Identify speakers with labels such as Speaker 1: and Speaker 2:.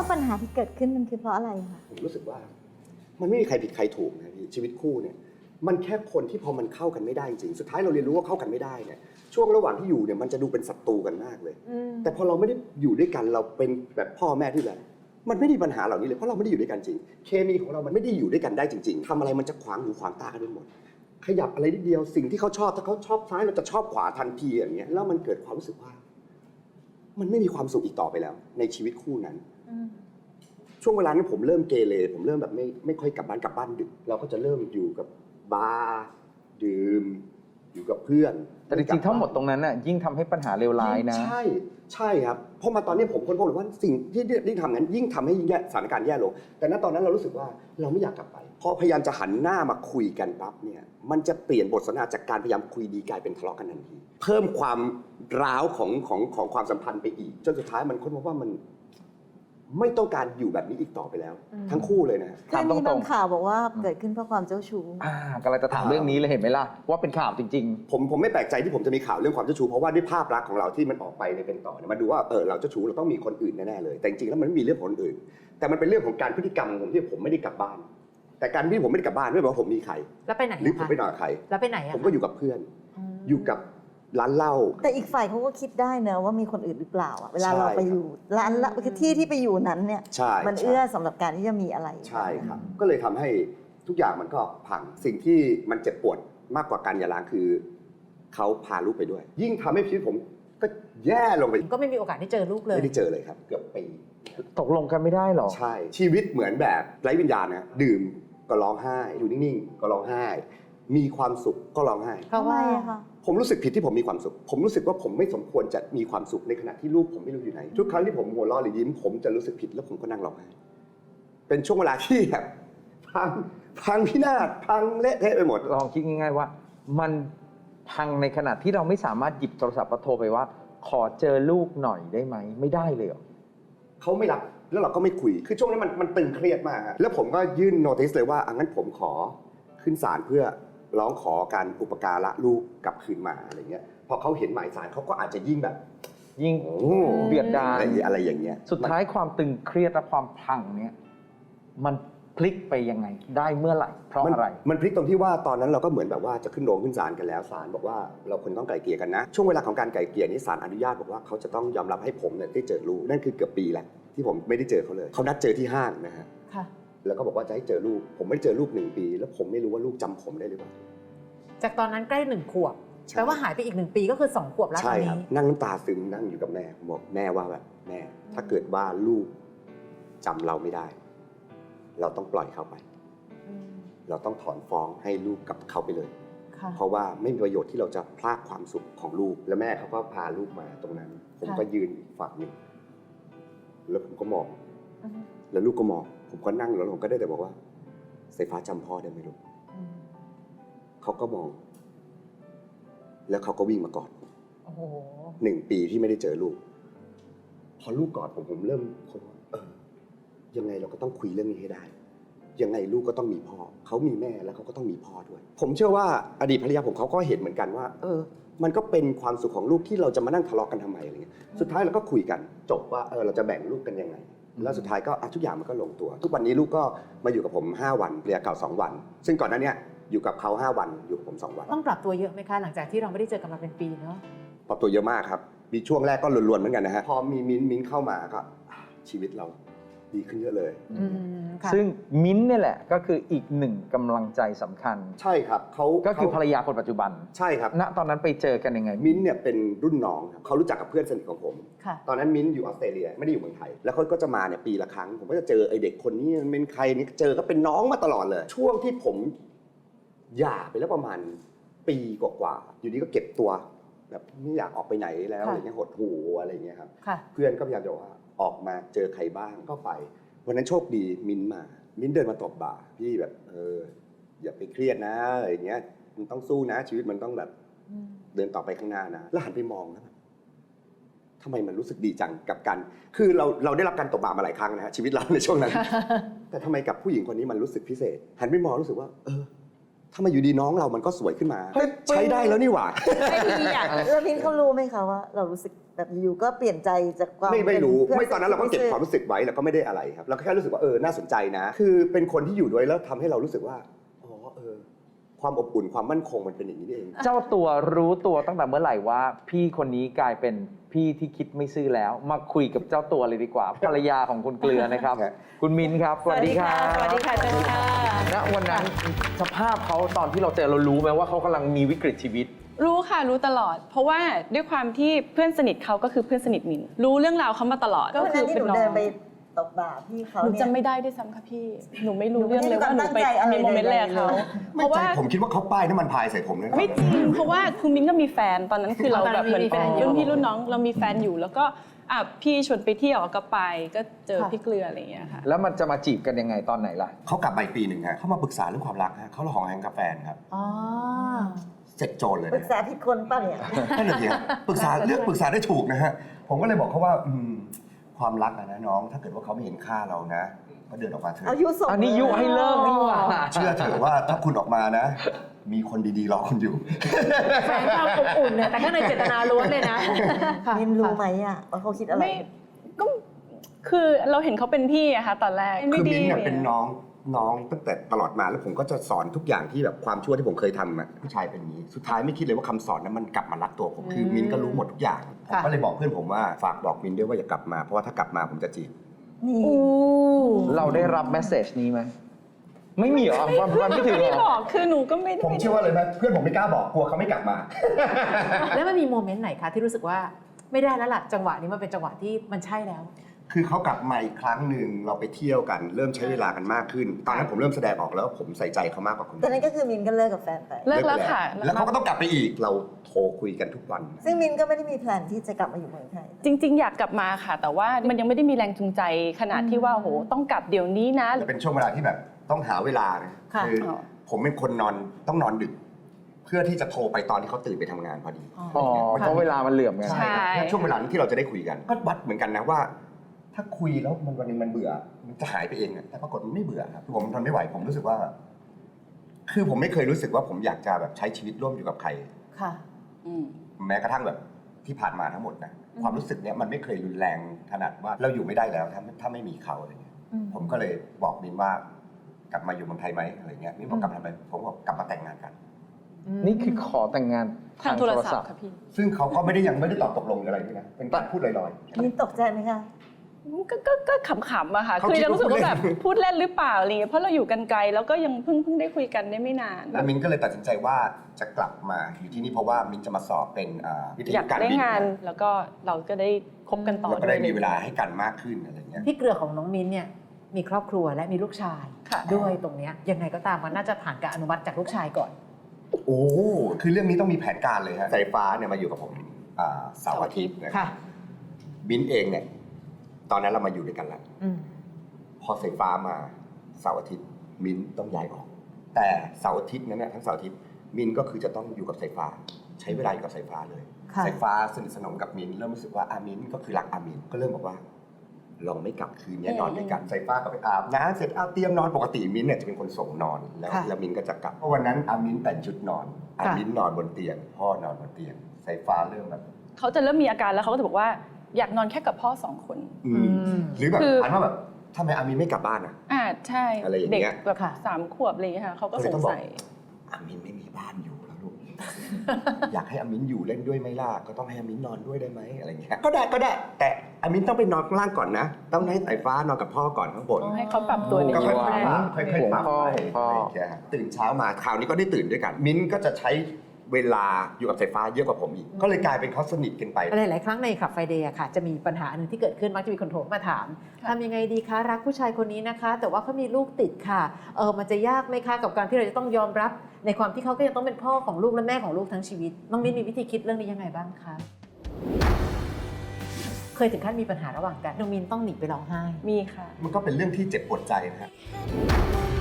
Speaker 1: ปัญหาที่เกิดขึ้นมันคือเพราะอะไรคะ
Speaker 2: ผมรู้สึกว่ามันไม่มีใครผิดใครถูกนะพี่ชีวิตคู่เนี่ยมันแค่คนที่พอมันเข้ากันไม่ได้จริงสุดท้ายเราเรียนรู้ว่าเข้ากันไม่ได้เนี่ยช่วงระหว่างที่อยู่เนี่ยมันจะดูเป็นศัตรูกันมากเลยแต่พอเราไม่ได้อยู่ด้วยกันเราเป็นแบบพ่อแม่ที่แบบมันไม่ได้ปัญหาเหล่านี้เลยเพราะเราไม่ได้อยู่ด้วยกันจริงเคมีของเรามันไม่ได้อยู่ด้วยกันได้จริงๆทำอะไรมันจะขวางหูขวางตากันไปหมดขยับอะไรนิดเดียวสิ่งที่เขาชอบถ้าเขาชอบซ้ายเราจะชอบขวาทันทีอย่างเงี้ยแล้วมันเกิดความรู้สึกว่ามันไม่มีความสุขอีกต่อไปแล้วในชีวิตคู่นั้นช่วงเวลานั้นผมเริ่มเกเรผมเริ่มแบบไม่ค่อยกลับบ้านดึกเราก็จะเริ่มอยู่กับบาร์ดื่มอยู่กับเพื่อน
Speaker 3: แต่จริงๆทั้งหมดตรงนั้นน่ะยิ่งทำให้ปัญหาเลวร้ายนะ
Speaker 2: ใช่ครับเพราะมาตอนนี้ผมค้นพบเลยว่าสิ่งที่ได้ทำนั้นยิ่งทำให้สถานการณ์แย่ลงแต่ณตอนนั้นเรารู้สึกว่าเราไม่อยากกลับไปพอพยายามจะหันหน้ามาคุยกันปั๊บเนี่ยมันจะเปลี่ยนบทสนทนาจากการพยายามคุยดีกลายเป็นทะเลาะกันทันทีเพิ่มความร้าวของความสัมพันธ์ไปอีกจนสุดท้ายมันค้นพบว่ามันไม่ต้องการอยู่แบบนี้อีกต่อไปแล้วทั้งคู่เลยนะ
Speaker 1: คือมีบางข่าวบอกว่าเกิดขึ้นเพราะความเจ้าชู้
Speaker 3: กำลังจะถามเรื่องนี้เลยเห็นไหมล่ะว่าเป็นข่าวจริง
Speaker 2: ๆผมไม่แปลกใจที่ผมจะมีข่าวเรื่องความเจ้าชู้เพราะว่าด้วยภาพลักษณ์ของเราที่มันออกไปในเป็นต่อเนี่ยมาดูว่าเราเจ้าชู้เราต้องมีคนอื่นแน่ๆเลยแต่จริงๆแล้วมันไม่มีเรื่องคนอื่นแต่มันเป็นเรื่องของการพฤติกรรมของผมที่ผมไม่ได้กลับบ้านแต่การที่ผมไม่ได้กลับบ้านไม่ได้แปลว่าผมมีใคร
Speaker 4: แล้วไปไหน
Speaker 2: หรือผมไปนอนกับใคร
Speaker 4: แล้วไปไหน
Speaker 2: ผมก็อยู่กับเพื่อนอยู่กับร้านเหล้า
Speaker 1: แต่อีกฝ่ายเขาก็คิดได้เนอะว่ามีคนอื่นหรือเปล่าเวลาเราไปอยู่ร้านละคือที่ไปอยู่นั้นเนี่ยมันเอื้อสำหรับการที่จะมีอะไร
Speaker 2: ใช่ครับก็เลยทำให้ทุกอย่างมันก็พังสิ่งที่มันเจ็บปวดมากกว่าการหย่าร้างคือเขาพาลูกไปด้วยยิ่งทำให้ชีวิตผมก็แย่ลงไป
Speaker 4: ก็ไม่มีโอกาสได้เจอลูกเลย
Speaker 2: ไม่ได้เจอเลยครับเกือบปี
Speaker 3: ตกลงกันไม่ได้หรอ
Speaker 2: ใช่ชีวิตเหมือนแบบไร้วิญญาณนะดื่มก็ร้องไห้อยู่นิ่งๆก็ร้องไห้มีความสุขก็ร้องไห้
Speaker 1: ทำไมคะ
Speaker 2: ผมรู้สึกผิดที่ผมมีความสุขผมรู้สึกว่าผมไม่สมควรจะมีความสุขในขณะที่ลูกผมไม่รู้อยู่ไหนทุกครั้งที่ผมหัวเราะหรือยิ้มผมจะรู้สึกผิดแล้วผมก็นั่งร้องไห้เป็นช่วงเวลาที่แบบพังพินาศพังเละเทะไปหมด
Speaker 3: ลองคิดง่ายๆว่ามันพังในขณะที่เราไม่สามารถหยิบโทรศัพท์มาโทรไปว่าขอเจอลูกหน่อยได้ไหมไม่ได้เลย
Speaker 2: เขาไม่รับแล้วเราก็ไม่คุยคือช่วงนั้นมันตึงเครียดมากแล้วผมก็ยื่นโน้ติสเลยว่างั้นผมขอขึ้นศาลเพื่อร้องขอการอุปการะลูกกลับคืนมาอะไรเงี้ยพอเขาเห็นหมายศาลเขาก็อาจจะยิ่งแบบ
Speaker 3: ยิ่งเบียดดาล
Speaker 2: อะไรอย่างเงี้ย
Speaker 3: สุดท้ายความตึงเครียดและความพังเนี้ยมันพลิกไปยังไงได้เมื่อไหร่เพราะอะไร
Speaker 2: มันพลิกตรงที่ว่าตอนนั้นเราก็เหมือนแบบว่าจะขึ้นโรงขึ้นศาลกันแล้วศาลบอกว่าเราควรต้องไกล่เกลี่ยกันนะช่วงเวลาของการไกล่เกลี่ยนี้ศาลอนุญาตบอกว่าเขาจะต้องยอมรับให้ผมเนี่ยได้เจอลูกนั่นคือเกือบปีแล้วที่ผมไม่ได้เจอเขาเลยเขานัดเจอที่ห้างนะฮะแล้วก็บอกว่าจะให้เจอลูกผมไม่ได้เจอลูก1 ปีแล้วผมไม่รู้ว่าลูกจำผมได้หรือเปล่า
Speaker 4: จากตอนนั้นใกล้1 ขวบแปลว่าหายไปอีก1 ปีก็คือ2 ขวบแล้วตอนนี้
Speaker 2: นั่งน้ำตาซึมนั่งอยู่กับแม่บอกแม่ว่าแบบแม่ถ้าเกิดว่าลูกจำเราไม่ได้เราต้องปล่อยเขาไปเราต้องถอนฟ้องให้ลูกกับเขาไปเลยเพราะว่าไม่มีประโยชน์ที่เราจะพลากความสุขของลูกแล้วแม่เขาก็พาลูกมาตรงนั้นผมก็ยืนอีกฝั่งนึงแล้วผมก็มองแล้วลูกก็มองผมก็นั่งแล้วผมก็ได้แต่บอกว่าสายฟ้าจำพ่อได้ไหมลูกเขาก็มองแล้วเขาก็วิ่งมากอด1 ปีที่ไม่ได้เจอลูกพอลูกกอดผมเริ่มคิดว่ายังไงเราก็ต้องคุยเรื่องนี้ให้ได้ยังไงลูกก็ต้องมีพ่อเขามีแม่แล้วเขาก็ต้องมีพ่อด้วยผมเชื่อว่าอดีตภรรยาผมเขาก็เห็นเหมือนกันว่ามันก็เป็นความสุขของลูกที่เราจะมานั่งทะเลาะกันทำไมอะไรเงี้ยสุดท้ายเราก็คุยกันจบว่าเราจะแบ่งลูกกันยังไงแล้วสุดท้ายก็ทุกอย่างมันก็ลงตัวทุกวันนี้ลูกก็มาอยู่กับผม5 วันภรรยาเก่า2 วันซึ่งก่อนหน้านี้อยู่กับเขา5 วันอยู่กับผม2 วัน
Speaker 4: ต้องปรับตัวเยอะไหมคะหลังจากที่เราไม่ได้เจอกันมาเป็นปีเนาะ
Speaker 2: ปรับตัวเยอะมากครับมีช่วงแรกก็ล้วนๆเหมือนกันนะฮะพอมีมิ้นเข้ามาก็ชีวิตเราดีขึ้นเยอะเลย
Speaker 3: ซึ่งมิ้นเนี่ยแหละก็คืออีก1กำลังใจสำคัญ
Speaker 2: ใช่ครับเขา
Speaker 3: ก็คือภรรยาคนปัจจุบัน
Speaker 2: ใช่ครับ
Speaker 3: ณตอนนั้นไปเจอกันยังไง
Speaker 2: มิ้นเนี่ยเป็นรุ่นน้องครับเขารู้จักกับเพื่อนสนิทของผมตอนนั้นมิ้นอยู่ออสเตรเลียไม่ได้อยู่เมืองไทยแล้วเขาก็จะมาเนี่ยปีละครั้งผมก็จะเจอไอเด็กคนนี้เป็นใครนี่เจอก็เป็นน้องมาตลอดเลยช่วงที่ผมหย่าไปแล้วประมาณปีกว่าๆอยู่ดีก็เก็บตัวแบบไม่อยากออกไปไหนแล้วอะไรเงี้ยหดหูอะไรเงี้ยครับเพื่อนก็พยายามจะว่าออกมาเจอใครบ้างก็ไปวันนั้นโชคดีมิ้นเดินมาตบบ่าพี่แบบอย่าไปเครียดนะอะไรเงี้ยมันต้องสู้นะชีวิตมันต้องแบบเดินต่อไปข้างหน้านะแล้วหันไปมองนะทำไมมันรู้สึกดีจังกับการคือเราได้รับการตบบ่ามาหลายครั้งนะฮะชีวิตเราในช่วงนั้น แต่ทำไมกับผู้หญิงคนนี้มันรู้สึกพิเศษหันไปมองรู้สึกว่าถ้ามาอยู่ดีน้องเรามันก็สวยขึ้นมา
Speaker 3: เฮ้ย
Speaker 2: ใช้ได้แล้วนี่หว่า
Speaker 5: ไม่ดีอ่ะ
Speaker 1: แล้วมิ้นเขารู้ไหมคะว่าเรารู้สึกแบบอยู่ก็เปลี่ยนใจจากความ
Speaker 2: ไม่รู้
Speaker 1: เป็
Speaker 2: ไม่ตอนนั้นเราก็เก็บความรู้สึกไว้แล้วก็ไม่ได้อะไรครับเราก็แค่รู้สึกว่าน่าสนใจนะ คือเป็นคนที่อยู่ด้วยแล้วทำให้เรารู้สึกว่าอ๋อความอบอุ่นความมั่นคงมันเป็นอย่างนี้นี่เอง
Speaker 3: เจ้าตัวรู้ตัวตั้งแต่เมื่อไหร่ว่า พี่คนนี้กลายเป็นพี่ที่คิดไม่ซื่อแล้ว มาคุยกับเจ้าตัวเลยดีกว่าภรรยาของคุณเกลือนะครับ
Speaker 2: ครับ
Speaker 3: คุณมิ้นครับสวัสดีครับ
Speaker 5: สวัสดีค่ะเจนค่ะ
Speaker 3: ณวันนั้นสภาพเขาตอนที่เราเจอเรารู้ไหมว่าเขากำลังมีวิกฤตชีวิต
Speaker 5: รู้ค่ะรู้ตลอด เพราะว่าด้วยความที่เพื่อนสนิทเขาก็คือเพื่อนสนิทมินรู้เรื่องราวเขามาตลอด
Speaker 1: ก็
Speaker 5: ก็
Speaker 1: คื
Speaker 5: คือ อ
Speaker 1: ที่ห
Speaker 5: เป็น
Speaker 1: นู
Speaker 5: น้อ
Speaker 1: เดิน
Speaker 5: ง
Speaker 1: ไปตบบ่าพี่เขา
Speaker 5: หนู
Speaker 1: เนี่ย
Speaker 5: จำไม่ได้ด้วยซ้ำค่ะพี่หนูไม่รู้
Speaker 1: หนู
Speaker 5: เรื่องเลยว่าหนูไป
Speaker 1: ไม่ได้ตั้งใจอะไร
Speaker 5: มีโมเมนต์อะไรกับเขา
Speaker 1: เลย
Speaker 5: เพราะว่า
Speaker 2: ผมคิดว่าเขาป้ายน้ำมันพายใส่ผมเลยนะ
Speaker 5: ไม่จริงเพราะว่าคือมิ้นก็มีแฟนตอนนั้นคือเราแบบเหมือน
Speaker 4: มีแฟนอยู่
Speaker 5: รุ่นพี่รุ่นน้องเรามีแฟนอยู่แล้วก็พี่ชวนไปเที่ยวก็ไปก็เจอพี่เกลืออะไรอย่างเงี้ยค่ะ
Speaker 3: แล้วมันจะมาจีบกันยังไงตอนไหนล่ะ
Speaker 2: เขากลับมาอีกปีหนึ่งฮะเขามาปรึกษาเรื่องความรักฮะเขาละหองแหงกับแฟนครับ
Speaker 4: อ๋อ
Speaker 2: เสร็จโจรเลย
Speaker 1: ปรึกษาผิดคนป่ะเนี่ย
Speaker 2: นั่นแหละสิฮะปรึกษาเลือกปรึกษาได้ถูกนะฮะผมก็เลยบอกเขาว่าความรักนะน้อง ถ้าเกิดว่าเขาไม่เห็นค่าเรานะ ก็เดินออกมาเถอะ
Speaker 1: อายุส่ง
Speaker 3: อันนี้ยุให้เลิกนี่หว่า
Speaker 2: เชื่อเถอะว่าถ้าคุณออกมานะ มีคนดีๆรอคุณอยู่
Speaker 4: แฝงความอบอุ่นเนี่ยแต่ข้างในเจตนาล้วนเลยนะค่ะ
Speaker 1: มินรู้ไหมอะว่าเขาคิดอะไร
Speaker 5: ไม่ก็คือเราเห็นเขาเป็นพี่อะค่ะตอนแรก
Speaker 2: คือ
Speaker 5: ไม่ดี
Speaker 2: มิ้นท์เนี่ยเป็นน้องตั้งแต่ตลอดมาแล้วผมก็จะสอนทุกอย่างที่แบบความชั่วที่ผมเคยทำอะผู้ชายเป็นอย่างนี้สุดท้ายไม่คิดเลยว่าคำสอนนั้นมันกลับมารักตัวผมคือมิ้นท์ก็รู้หมดทุกอย่างผมก็เลยบอกเพื่อนผมว่าฝากบอกมิ้นท์ด้วยว่าอย่ากลับมาเพราะว่าถ้ากลับมาผมจะจีบ
Speaker 1: นี่
Speaker 5: อู้
Speaker 3: เราได้รับแมสเซจนี้ไหมไม่มีเหรอมันไม่ถึง
Speaker 5: ไม่
Speaker 3: เหร
Speaker 5: บ
Speaker 3: อ
Speaker 5: อกคือหนูก็ไม่ได้
Speaker 2: ผมเชื่อว่าเลยนะเพื่อนผมไม่กล้าบอกกลัวเขาไม่กลับมา
Speaker 4: แล้วมันมีโมเมนต์ไหนคะที่รู้สึกว่าไม่ได้แล้วล่ะจังหวะนี้มันเป็นจังหวะที่มันใช่แล้ว
Speaker 2: คือเขากลับมาอีกครั้งหนึ่งเราไปเที่ยวกัน เริ่มใช้เวลากันมากขึ้น ตอนนั้นผมเริ่มแสดงออกแล้วว่าผมใส่ใจเขามากกว่าคน
Speaker 1: ตอนนั้นก็คือมินก็เลิกกับแฟนไป
Speaker 5: เลิกแล้วค่ะ
Speaker 2: แล้วเขาก็ต้องกลับไปอีกเราโทรคุยกันทุกวัน
Speaker 1: ซึ่งมินก็ไม่ได้มีแพลนที่จะกลับมาอยู่เมืองไทย
Speaker 5: จริง ๆ อยากกลับมาค่ะ แต่ว่ามันยังไม่ได้มีแรงจูงใจขนาดที่ว่าโหต้องกลับเดี๋ยวนี้นะ
Speaker 2: จะเป็นช่วงเวลาที่แบบต้องหาเวลานะ
Speaker 4: ค่ะ
Speaker 2: คือผมเป็นคนต้องนอนดึก เพื่อที่จะโทรไปตอนที่เขาตื่นไปทำงานพอดี
Speaker 3: อ๋อเพราะเวลามันเหลื่อมกัน
Speaker 5: ใช่
Speaker 2: ครับช่วงเวลานี้ที่เราจะได้คุยกัน ก็วัดเหมือนกันนะว่า ถ้าคุยแล้วมันวันหนึงมันเบื่อ มันจะหายไปเองอะแต่ปรากฏมันไม่เบื่อครับผมทนไม่ไหวผมรู้สึกว่า คือผมไม่เคยรู้สึกว่าผมอยากจะแบบใช้ชีวิตร่วมอยู่กับใคร
Speaker 4: ค่ะ
Speaker 5: อืม
Speaker 2: แม้กระทั่งแบบที่ผ่านมาทั้งหมดนะความรู้สึกเนี้ยมันไม่เคยรุนแรงขนาดว่าเราอยู่ไม่ได้แล้วถ้าไม่มีเขาอะไรเงี้ย ผมก็เลยบอกมินว่ากลับมาอยู่เมืองไทยไหมอะไรเงี้ยมินบอกกลับมาทำไมผมบอกกลับมาแต่งงานกัน
Speaker 3: นี่คือขอแต่งงาน
Speaker 5: ทางโทรศัพท์ค่ะพี่
Speaker 2: ซึ่งเขาก็ยังไม่ได้ตอบตกลงอะไรด้วยนะเป็นการพูดลอยๆ
Speaker 1: มินตกใจไหมคะ
Speaker 5: ก็ขำๆอะค่ะ
Speaker 2: เขา
Speaker 5: คือ
Speaker 2: คิด
Speaker 5: จะรู้สึกว่า
Speaker 2: ว่า
Speaker 5: แบบพูดเล่นหรือเปล่าอะไรเงี้ยเพราะเราอยู่กันไกลแล้วก็ยังเพิ่งได้คุยกันได้ไม่นาน
Speaker 2: แล้วมินก็เลยตัดสินใจว่าจะกลับมาอยู่ที่นี่เพราะว่ามินจะมาสอบเป็นวิท
Speaker 5: อยา
Speaker 2: ยุ
Speaker 5: ก
Speaker 2: การ
Speaker 5: ได้
Speaker 2: บิน
Speaker 5: งานแล้วก็เราก็ได้คบกันต่อ
Speaker 2: แล้วก็ได้
Speaker 5: ด้วย
Speaker 2: มีเวลาให้กันมากขึ้นอะไรเงี้ย
Speaker 4: พี่เกลือของน้องมิ้นเนี่ยมีครอบครัวและมีลูกชาย
Speaker 5: ค่ะ
Speaker 4: ด้วยตรงเนี้ยยังไงก็ตามมันน่าจะผ่านการอนุมัติจากลูกชายก่อน
Speaker 2: โอ้คือเรื่องนี้ต้องมีแผนการเลยฮะสายฟ้าเนี่ยมาอยู่กับผมเสาร์อาทิตย์นะ
Speaker 4: ค่ะ
Speaker 2: มินเองเนี่ยตอนนั้นเรามาอยู่ด้วยกันแล้ว
Speaker 4: อืม
Speaker 2: พอสายฟ้ามาเสาร์อาทิตย์มินต้องย้ายออก แต่เสาร์อาทิตย์นั้นเนี่ยทั้งเสาร์อาทิตย์มินก็คือจะต้องอยู่กับสายฟ้า ใช้เวลาอยู่กับสายฟ้าเลย
Speaker 4: ค่ะ
Speaker 2: สายฟ้าสนิทสนมกับมินเริ่มรู้สึกว่ามินก็คือรักมินก็เริ่มบอกว่าลองไม่กลับคืนนี้นอนด้วยกันสายฟ้าก็ไปอาบน้ำเสร็จเอาเตรียมนอนปกติมินเนี่ยจะเป็นคนส่งนอนแล้วมินก็จะกลับเพราะวันนั้นมินแต่งชุดนอนมินนอนบนเตียงพ่อนอนบนเตียงสายฟ้าเริ่มแบบ
Speaker 5: เขาจะเริ่มมีอาการแล้วเขาก็จะบอกว่าอยากนอนแค่กับพ่อ2 คน
Speaker 2: หรือแบบ
Speaker 5: คือ
Speaker 2: อันว่าแบบทำไมมินไม่กลับบ้านอ่ะ
Speaker 5: ใช่
Speaker 2: อะไรอย่าง
Speaker 5: เด็ก
Speaker 2: เงี้ย
Speaker 5: แบบ3 ขวบอะไรอย่างเงี้ยค่ะเขาก็สงสัย
Speaker 2: อามินไม่มีบ้านอยู่แล้วลูก อยากให้อามินอยู่เล่นด้วยไหมล่ะก็ต้องให้อามินนอนด้วยได้ไหมอะไรเงี้ยก็ได้แต่อามินต้องไปนอนข้างล่างก่อนนะต้องให้สายฟ้านอนกับพ่อก่อนข้างบน
Speaker 5: ให้เขาปรับตัวใน
Speaker 2: ก็
Speaker 5: ช่
Speaker 2: ค่
Speaker 5: วง
Speaker 2: อย
Speaker 5: แร
Speaker 2: ๆปรับ
Speaker 5: ก
Speaker 2: ค่อยๆปรับ
Speaker 3: พ่อ
Speaker 2: ไป
Speaker 3: พ่อ
Speaker 2: อะไรอย่างเงี้ยฮะตื่นเช้ามาคราวนี้ก็ได้ตื่นด้วยกัน มิ้นก็จะใช้เวลาอยู่กับสายฟ้าเยอะกว่าผมอีกก็เลยกลายเป็นเขาสนิทกันไป
Speaker 4: หลายๆครั้งในขับไฟเดย์ค่ะจะมีปัญหาหนึ่งที่เกิดขึ้นมักจะมีคนโทรมาถาม
Speaker 5: ค่ะ
Speaker 4: ทำยังไงดีคะรักผู้ชายคนนี้นะคะ แต่ว่าเขามีลูกติดค่ะมันจะยากไหมคะกับการที่เราจะต้องยอมรับในความที่เขาก็ยังต้องเป็นพ่อของลูกและแม่ของลูกทั้งชีวิตน้องมิ้นมีวิธีคิดเรื่องนี้ยังไงบ้างคะเคยถึงขั้นมีปัญหาระหว่างกันน้องมิ้นต้องหนีไปร้องไห้
Speaker 5: มีค่ะ
Speaker 2: มันก็เป็นเรื่องที่เจ็บปวดใจนะฮะ